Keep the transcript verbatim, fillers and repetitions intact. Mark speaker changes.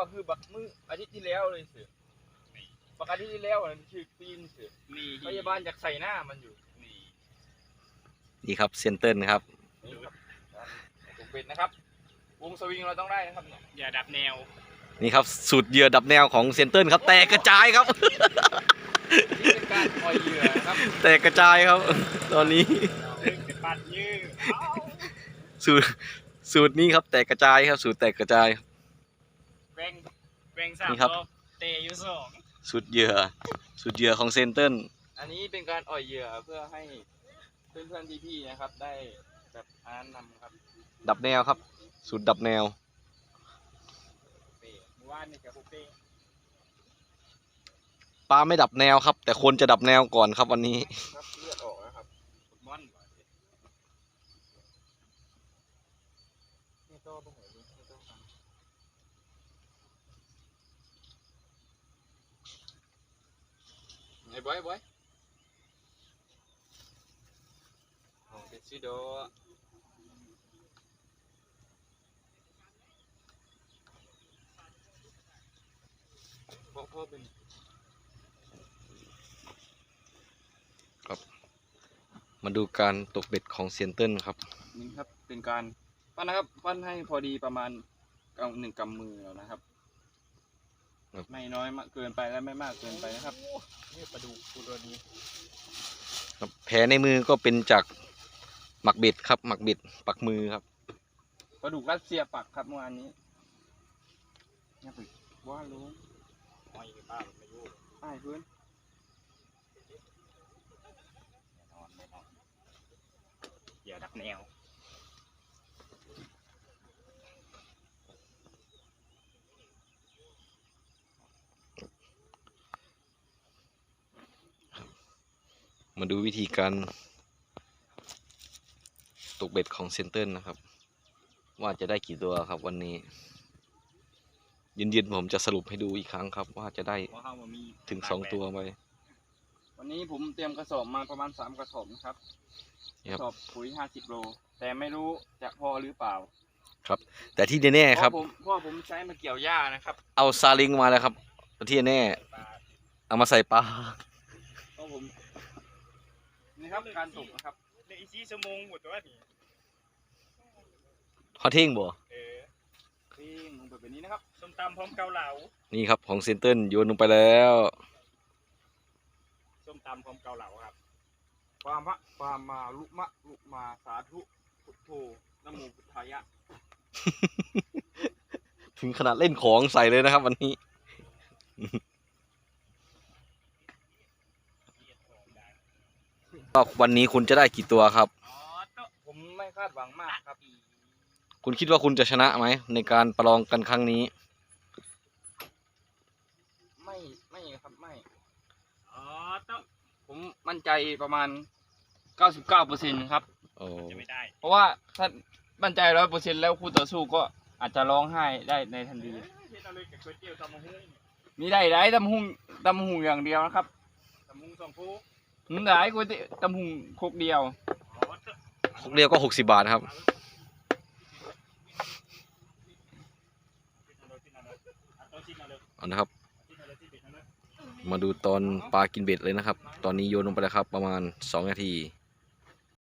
Speaker 1: คือบักมืออาทิตย์ที่แล้วเลยสิบักอาทิตย์ที่แล้วนั่นคือปีนสิพยาบาลอยากใส่หน้ามันอยู่นี่
Speaker 2: นี่ครับเซนเตอร์นะครับ
Speaker 1: นี่ครับตกเป็ดนะครับวงสวิงเราต้องได้นะครับเนี่ยอย่าดับแนว
Speaker 2: นี่ครับสูตรเหยื่อดับแนวของเซนเตอร์ครับแตกกระจายครับ
Speaker 1: นี่เป็นการปล่อยเหยื่อครับ
Speaker 2: แตกกระจายครับตอนนี้
Speaker 1: ปัดยืด
Speaker 2: สูตรสูตรนี้ครับแตกกระจายครับสูตรแตกกระจาย
Speaker 1: แบ่งแบ่งสามรอบเตะอยู่สอง
Speaker 2: สูตรเหยื่อสูตรเหยื่อของเซนเตอร์
Speaker 1: อันนี้เป็นการอ่อยเหยื่อเพื่อให้เพื่อนๆพี่ๆนะครับได้แบบอ่านนำครับ
Speaker 2: ดับแนวครับสูตรดับแนว
Speaker 1: ว่านนี่กับเป้
Speaker 2: ปลาไม่ดับแนวครับแต่คนจะดับแนวก่อนครับวันนี้
Speaker 1: ครับเลือดออกแล้วครับบอลนี่โต้ตรงไหนดีนี่โต้กันไอ้บอยบอยโอ้เด็ดซิโดพ่อพ่อเป็น
Speaker 2: ครับมาดูการตกเบ็ดของเซนเตอร์ครับ
Speaker 1: นี่ครับเป็นการปั้นนะครับปั้นให้พอดีประมาณกำหนึ่งกำมือแล้วนะครับไม่น้อยมากเกินไปและไม่มากเกินไปนะครับนี่ปลาดุกตัวนี้
Speaker 2: ครับแผลในมือก็เป็นจากหมักเบ็ดครับหมักเบ็ดปักมือครับ
Speaker 1: ปลาดุกรัสเซียปักครับเมื่อวานนี้นี่ไปว่ารู้ไม่ป้าไม่รู้ป้าเพื่อนอย่าดักแนว
Speaker 2: มาดูวิธีการตกเบ็ดของเซนเตอร์นะครับว่าจะได้กี่ตัวครับวันนี้เย็นๆผมจะสรุปให้ดูอีกครั้งครับว่าจะได้ถึงสองตัวไหม
Speaker 1: วันนี้ผมเตรียมกระสอบมาประมาณสามกระสอบนะครับกระสอบปุ๋ยห้าสิบโลแต่ไม่รู้จะพอหรือเปล่า
Speaker 2: ครับแต่ที่แน่ๆครับ
Speaker 1: เพราะผมใช้มาเกี่ยวหญ้านะครับ
Speaker 2: เอาซาลิงมาแล้วครับที่แน่เอามาใส่ปลา
Speaker 1: เพราะผมนี่ครับการตกนะครับในอีซีชั่วโมงหมดตัวนี้
Speaker 2: เขาเท่งบ่
Speaker 1: เออเท่งลงไปแบบนี้นะครับส้มตำพร้อมเกาเหลา
Speaker 2: นี่ครับของเซนเตอร์โยนลงไปแล้ว
Speaker 1: ส้มตำพร้อมเกาเหลาครับปามะปามาลุมะลุมาสาธุพุทโธนโมพุทธายะ
Speaker 2: ถึงขนาดเล่นของใส่เลยนะครับวันนี้วันนี้คุณจะได้กี่ตัวครับ
Speaker 1: ผมไม่คาดหวังมากครับ
Speaker 2: คุณคิดว่าคุณจะชนะไหมในการประลองกันครั้งนี้
Speaker 1: ไม่ไม่ครับไม่อ๋อผมมั่นใจประมาณ เก้าสิบเก้าเปอร์เซ็นต์ ครับจะไม่ได้เพราะว่าถ้ามั่นใจ ร้อยเปอร์เซ็นต์ แล้วคู่ต่อสู้ก็อาจจะร้องไห้ได้ในทันทีมีได้ได้ตำหุงตำหุงอย่างเดียวนะครับตำหุงสองคู่หืมได้ก๋วยเตี๋ยวตำหุงครกเดียว
Speaker 2: ครกเดียวก็หกสิบบาทครับเอานะครับมาดูตอนปลากินเบ็ดเลยนะครับตอนนี้โยนลงไปแล้วครับประมาณสองนาที